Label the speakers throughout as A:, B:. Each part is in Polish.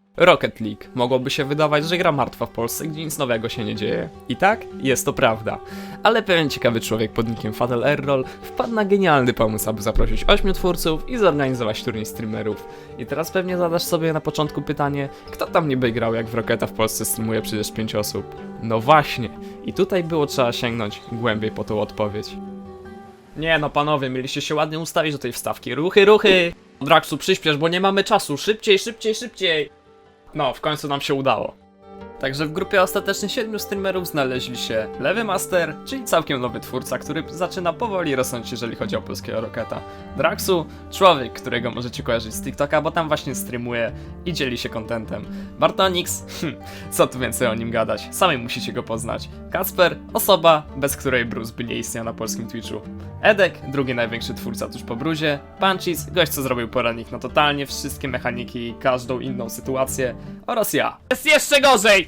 A: Rocket League. Mogłoby się wydawać, że gra martwa w Polsce, gdzie nic nowego się nie dzieje. I tak, jest to prawda. Ale pewien ciekawy człowiek pod nickiem Fatal Error wpadł na genialny pomysł, aby zaprosić 8 twórców i zorganizować turniej streamerów. I teraz pewnie zadasz sobie na początku pytanie, kto tam niby grał, jak w Rocketa w Polsce streamuje przecież 5 osób? No właśnie. I tutaj było trzeba sięgnąć głębiej po tą odpowiedź. Nie no panowie, mieliście się ładnie ustawić do tej wstawki. Ruchy, ruchy! Draxu, przyspiesz, bo nie mamy czasu. Szybciej, szybciej, szybciej! No, w końcu nam się udało. Także w grupie ostatecznie 7 streamerów znaleźli się Lewy Master, czyli całkiem nowy twórca, który zaczyna powoli rosnąć, jeżeli chodzi o polskiego Rocketa. Draxu, człowiek, którego możecie kojarzyć z TikToka, bo tam właśnie streamuje i dzieli się contentem. Bartonix, co tu więcej o nim gadać, sami musicie go poznać. Kacper, osoba, bez której Bruce by nie istniał na polskim Twitchu. Edek, drugi największy twórca tuż po Bruzie. Punchis, gość co zrobił poradnik na totalnie wszystkie mechaniki i każdą inną sytuację. Oraz ja. Jest jeszcze gorzej!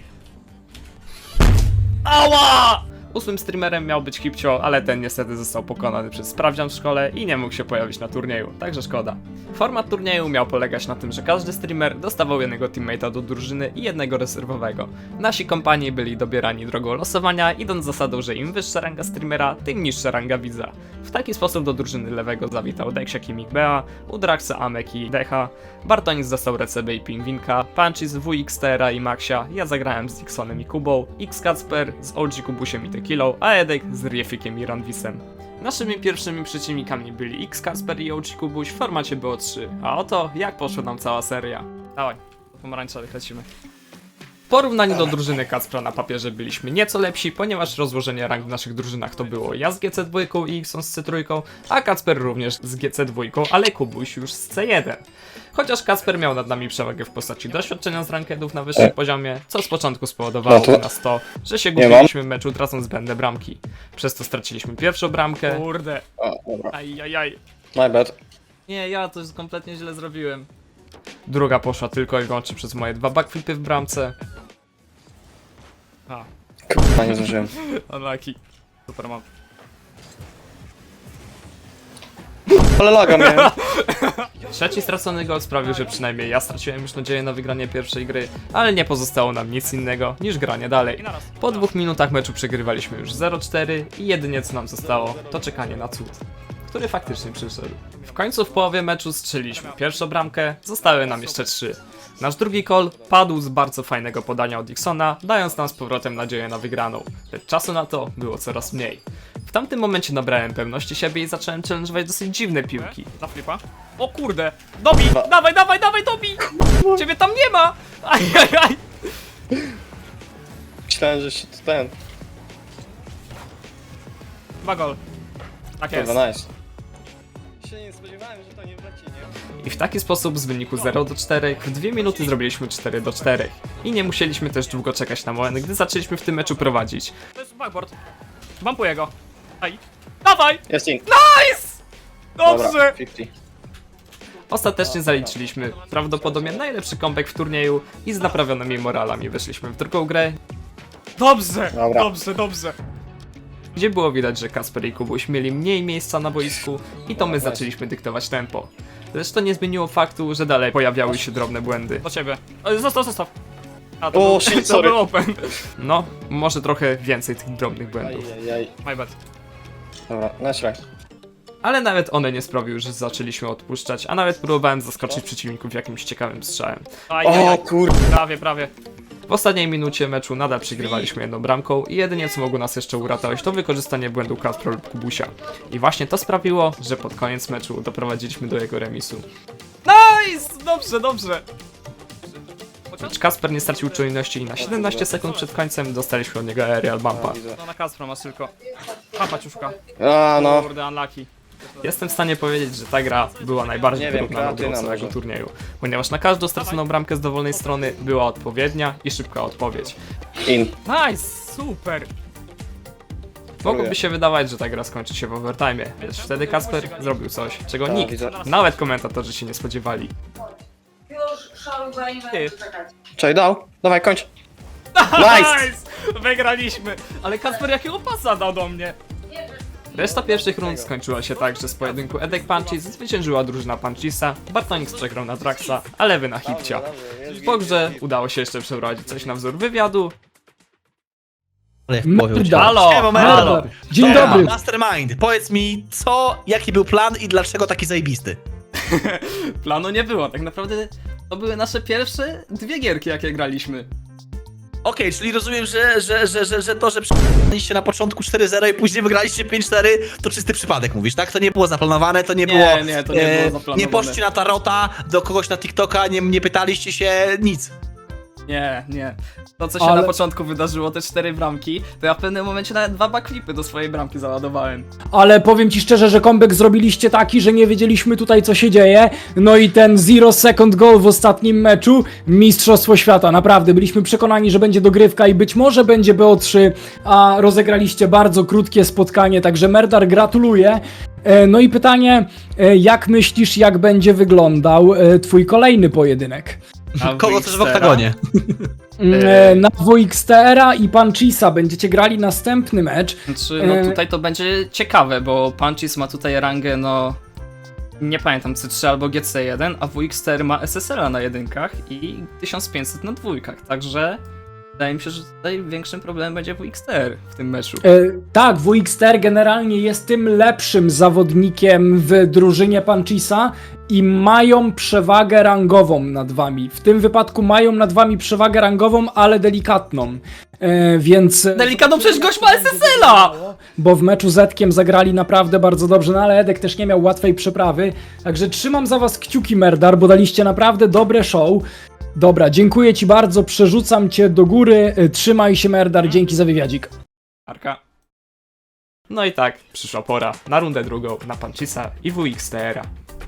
A: Ała! 8 streamerem miał być Kipcio, ale ten niestety został pokonany przez sprawdzian w szkole i nie mógł się pojawić na turnieju, także szkoda. Format turnieju miał polegać na tym, że każdy streamer dostawał jednego teammate'a do drużyny i jednego rezerwowego. Nasi kompanii byli dobierani drogą losowania, idąc zasadą, że im wyższa ranga streamera, tym niższa ranga widza. W taki sposób do drużyny lewego zawitał Deksiak i Mikbea, u Draxa Amek i Decha, Bartonis dostał Recebe i Pingwinka, Punchis, WXTR i Maxia, ja zagrałem z Dixonem i Kubą, X-Kacper z OG Kubusiem i Tequilą, a Edek z Riefikiem i Ranwisem. Naszymi pierwszymi przeciwnikami byli X-Kacper i OG Kubuś w formacie BO3, a oto jak poszła nam cała seria. Dawaj, pomarańczowych lecimy. W porównaniu do drużyny Kacpra na papierze byliśmy nieco lepsi, ponieważ rozłożenie rank w naszych drużynach to było ja z GC2 i Xon z C3, a Kacper również z GC2, ale Kubuś już z C1. Chociaż Kacper miał nad nami przewagę w postaci doświadczenia z rankedów na wyższym poziomie, co z początku spowodowało nas to, że się gubiliśmy w meczu tracąc zbędne bramki. Przez to straciliśmy pierwszą bramkę. Kurde. Ajajaj.
B: My bad.
A: Nie, ja to już kompletnie źle zrobiłem. Druga poszła tylko i wyłącznie przez moje 2 backflipy w bramce. A,
B: Kurwa, nie zdążyłem.
A: unlucky. Super mam.
B: Ale laga miałem.
A: Trzeci stracony gol sprawił, że przynajmniej ja straciłem już nadzieję na wygranie pierwszej gry, ale nie pozostało nam nic innego niż granie dalej. Po 2 minutach meczu przegrywaliśmy już 0-4 i jedynie co nam zostało to czekanie na cud, który faktycznie przyszedł. W końcu w połowie meczu strzeliliśmy pierwszą bramkę, zostały nam jeszcze 3. Nasz drugi call padł z bardzo fajnego podania od Dixona, dając nam z powrotem nadzieję na wygraną, lecz czasu na to było coraz mniej. W tamtym momencie nabrałem pewności siebie i zacząłem challenge'ować dosyć dziwne piłki. Na flipa? O kurde! Dobi! Dawaj, dawaj, dawaj, Dobi! Ciebie tam nie ma! Ajajaj!
B: Myślałem, że się to ten.
A: Dwa gol. Tak jest.
B: Kurwa, nice. Się nie spodziewałem, że to nie wleci, nie?
A: I w taki sposób z wyniku 0-4 w 2 minuty zrobiliśmy 4-4. I nie musieliśmy też długo czekać na moment, gdy zaczęliśmy w tym meczu prowadzić. To jest backboard. Bumpuję go. Aj. Dawaj!
B: Jest in.
A: Nice!
B: Dobra,
A: Dobrze!
B: 50.
A: Ostatecznie zaliczyliśmy prawdopodobnie najlepszy comeback w turnieju i z naprawionymi moralami weszliśmy w drugą grę. Dobrze!
B: Dobra.
A: Dobrze, dobrze! Gdzie było widać, że Kacper i Kubuś mieli mniej miejsca na boisku i to my zaczęliśmy dyktować tempo. Lecz to nie zmieniło faktu, że dalej pojawiały się drobne błędy. Do ciebie. Zostaw, zostaw! A, to,
B: O, shit,
A: to
B: sorry.
A: był open. No, może trochę więcej tych drobnych błędów.
B: Ajajaj.
A: My bad.
B: Dobra, nice try.
A: Ale nawet one nie sprawiły, że zaczęliśmy odpuszczać, a nawet próbowałem zaskoczyć przeciwników jakimś ciekawym strzałem.
B: O kurwa.
A: Prawie, prawie. W ostatniej minucie meczu nadal przegrywaliśmy jedną bramką i jedynie co mogło nas jeszcze uratować to wykorzystanie błędu Kacpra lub Kubusia. I właśnie to sprawiło, że pod koniec meczu doprowadziliśmy do jego remisu. Nice! Dobrze, dobrze. Lecz Kacper nie stracił czujności i na 17 sekund przed końcem dostaliśmy od niego aerial bumpa. No na Kacpra masz tylko. Papa ciuszka.
B: A no.
A: Kurde, unlucky. Jestem w stanie powiedzieć, że ta gra była najbardziej
B: Nie wiem,
A: wyrównana do
B: kreatyna
A: całego
B: może.
A: turnieju, ponieważ na każdą straconą bramkę z dowolnej strony była odpowiednia i szybka odpowiedź.
B: In.
A: Nice, super! Mogłoby się wydawać, że ta gra skończy się w overtime, lecz wtedy Kacper zrobił coś, czego
B: Tak,
A: nikt,
B: widzę.
A: nawet komentatorzy się nie spodziewali.
C: Już szalowali, nie będę czekać.
B: Czekaj, dał. Dawaj, kończ. Nice!
A: Wygraliśmy! Ale Kacper jakiego pasa dał do mnie?
C: Nie wiem.
A: Reszta pierwszych rund skończyła się tak, że z pojedynku Edek Punchis zwyciężyła drużyna Punchisa, Bartonix przegrał na Draxa, a Lewy na Hipcia. Po grze udało się jeszcze przeprowadzić coś na wzór wywiadu.
D: Ale jak powiem cię.
A: Halo,
D: Siema,
A: halo.
D: Merdo.
E: Dzień
D: Dobra,
E: dobry.
D: Mastermind, powiedz mi, jaki był plan i dlaczego taki zajebisty?
A: Planu nie było, tak naprawdę to były nasze pierwsze dwie gierki, jakie graliśmy.
D: Okej, czyli rozumiem, że to, że przegraliście na początku 4-0 i później wygraliście 5-4, to czysty przypadek mówisz, tak? To nie było zaplanowane, to nie było...
A: Nie, to nie było zaplanowane.
D: Nie poszliście na tarota, do kogoś na TikToka, nie pytaliście się, nic.
A: Nie. To, co się
E: Ale-
A: na początku wydarzyło, te 4 bramki, to ja w pewnym momencie nawet 2 backflipy do swojej bramki załadowałem.
E: Ale powiem ci szczerze, że comeback zrobiliście taki, że nie wiedzieliśmy tutaj co się dzieje. No i ten 0 second goal w ostatnim meczu, mistrzostwo świata, naprawdę. Byliśmy przekonani, że będzie dogrywka i być może będzie BO3, a rozegraliście bardzo krótkie spotkanie, także Merdar gratuluję. No i pytanie, jak myślisz, jak będzie wyglądał twój kolejny pojedynek?
A: A
D: Kogo chcesz w oktagonie?
E: Na WXTR-a i Punchisa będziecie grali następny mecz.
A: Znaczy, no tutaj to będzie ciekawe, bo Punchis ma tutaj rangę, no... Nie pamiętam, C3 albo GC1, a WX4 ma SSL-a na jedynkach i 1500 na dwójkach, także... Wydaje mi się, że tutaj większym problemem będzie WX4 w tym meczu.
E: Tak, WXTR generalnie jest tym lepszym zawodnikiem w drużynie Punchisa i mają przewagę rangową nad wami. W tym wypadku mają nad wami przewagę rangową, ale delikatną. Więc...
A: Delikatną, przecież gość ma SSL-a!
E: Bo w meczu z Edkiem zagrali naprawdę bardzo dobrze, no ale Edek też nie miał łatwej przeprawy. Także trzymam za was kciuki, Merdar, bo daliście naprawdę dobre show. Dobra, dziękuję ci bardzo, przerzucam cię do góry. Trzymaj się, Merdar, dzięki za wywiadzik.
A: Arka. No i tak, przyszła pora na rundę drugą, na Punchisa i WXTR-a.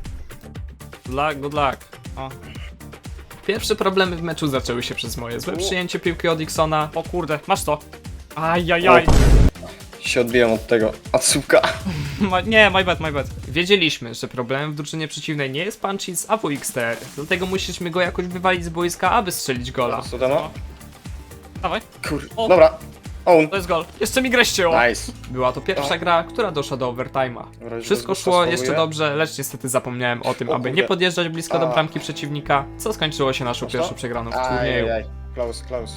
A: Good luck. O. Pierwsze problemy w meczu zaczęły się przez moje złe przyjęcie piłki od Dixona. O kurde, masz to. Ajajaj.
B: Się odbiłem od tego Atsuka.
A: Nie, my bad. Wiedzieliśmy, że problemem w drużynie przeciwnej nie jest Punchis, a WXTR. Dlatego musieliśmy go jakoś wywalić z boiska, aby strzelić gola.
B: Co to ma?
A: Dawaj,
B: Kurde.
A: O.
B: Dobra. Own.
A: to jest gol. Jeszcze mi grę ścięło.
B: Nice.
A: Była to pierwsza gra, która doszła do overtime'a.
B: Dobra, już
A: Wszystko
B: bez
A: szło
B: gusta
A: jeszcze
B: spróbuję.
A: dobrze, lecz niestety zapomniałem o tym,
B: O
A: aby
B: kurde.
A: nie podjeżdżać blisko do
B: A.
A: bramki przeciwnika, co skończyło się naszą
B: Masz to?
A: pierwszą przegraną w turnieju.
B: Ajajaj. Close.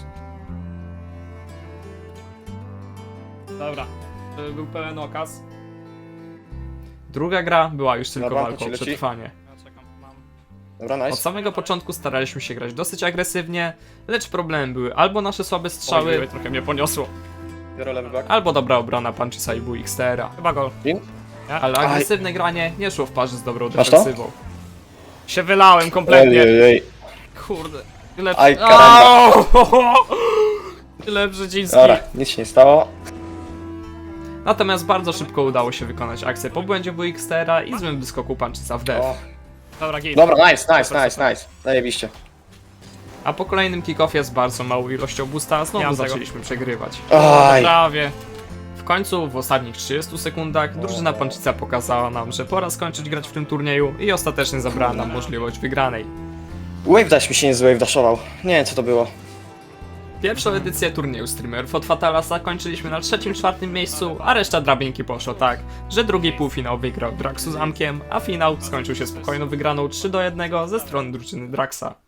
A: Dobra, to był pełen okaz. Druga gra była już tylko
B: Dobra,
A: walką o
B: leci.
A: przetrwanie.
B: Dobra,
A: Od
B: nice.
A: samego początku staraliśmy się grać dosyć agresywnie, lecz problemem były albo nasze słabe strzały,
B: Oj,
A: trochę mnie poniosło,
B: Biorę lewy back.
A: albo dobra obrona Punchisa i WXTR-a. Chyba gol.
B: Win?
A: Ale
B: Aj.
A: agresywne granie nie szło w parze z dobrą
B: Masz to?
A: defensywą. Się wylałem kompletnie.
B: Ej.
A: Kurde. Tyle...
B: Aj, karamba.
A: Au! Tyle Brzeziński.
B: Dobra, nic się nie stało.
A: Natomiast bardzo szybko udało się wykonać akcję po błędzie WXTR-a i złym wyskoku Punchisa w def.
B: O.
A: Dobra, git.
B: Dobra, nice. Zajebiście.
A: A po kolejnym kickoffie z bardzo małą ilością boosta znowu zaczęliśmy przegrywać.
B: Aj.
A: Prawie. W końcu, w ostatnich 30 sekundach, drużyna Punchisa pokazała nam, że pora skończyć grać w tym turnieju i ostatecznie zabrała nam możliwość wygranej.
B: Wave dash mi się nie z wave dashował. Nie wiem co to było.
A: Pierwszą edycję turnieju streamerów od Fatala zakończyliśmy na 3.-4. miejscu, a reszta drabinki poszło tak, że drugi półfinał wygrał Draxu z Amkiem, a finał skończył się spokojną wygraną 3-1 ze strony drużyny Draxa.